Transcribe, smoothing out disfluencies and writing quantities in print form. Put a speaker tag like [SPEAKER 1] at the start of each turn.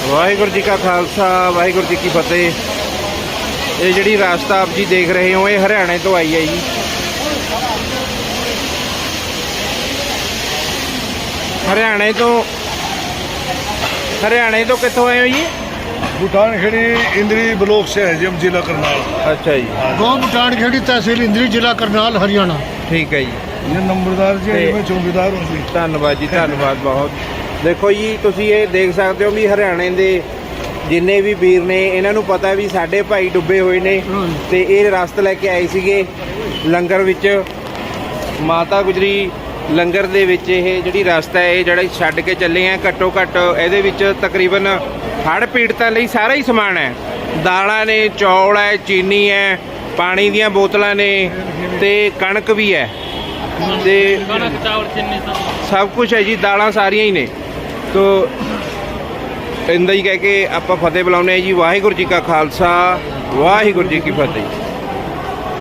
[SPEAKER 1] ਵਾਹਿਗੁਰੂ ਜੀ ਕਾ ਖਾਲਸਾ ਵਾਹਿਗੁਰੂ ਜੀ ਕੀ ਫਤਿਹ। ਇਹ ਜਿਹੜੀ ਰਾਸਤਾ ਆਪ ਜੀ ਦੇਖ ਰਹੇ ਹੋ, ਇਹ ਹਰਿਆਣੇ ਤੋਂ ਆਈ ਹੈ ਜੀ। हरियाणे तो कितों आए हो जी?
[SPEAKER 2] भूटान खेड़ी इंद्री ब्लॉक से है जी, हम जिला करनाल।
[SPEAKER 1] अच्छा जी।
[SPEAKER 2] गाँव भूटान खेड़ी तहसील इंद्री जिला करनाल हरियाणा।
[SPEAKER 1] ठीक है जी।
[SPEAKER 2] ये नंबरदार जी मैं चौकीदार हूँ जी।
[SPEAKER 1] धन्यवाद जी, धन्यवाद बहुत। देखो जी, तुसी ये देख सकते हो भी हरियाणे दे जिन्ने भी वीर ने इन्हां नूं पता भी साडे भाई डुब्बे हुए ने ते ये रास्ता लैके आए सीगे लंगर विच। माता गुजरी लंगर दे विच ये जिहड़ी रास्ता है जिहड़ा छड्ड के चले हैं, घट्टो घट्ट इहदे विच तकरीबन हड़ पीड़तां लई सारा ही समान है। दालां ने, चौल है, चीनी है, पानी दीयां बोतलां ने ते कणक भी है ते सब कुछ है जी। दालां सारियां ही ने। तो इंदा ही कह के आपां फतेह बुलाउने जी। वाहिगुरू जी का खालसा वाहिगुरू जी की फतेह।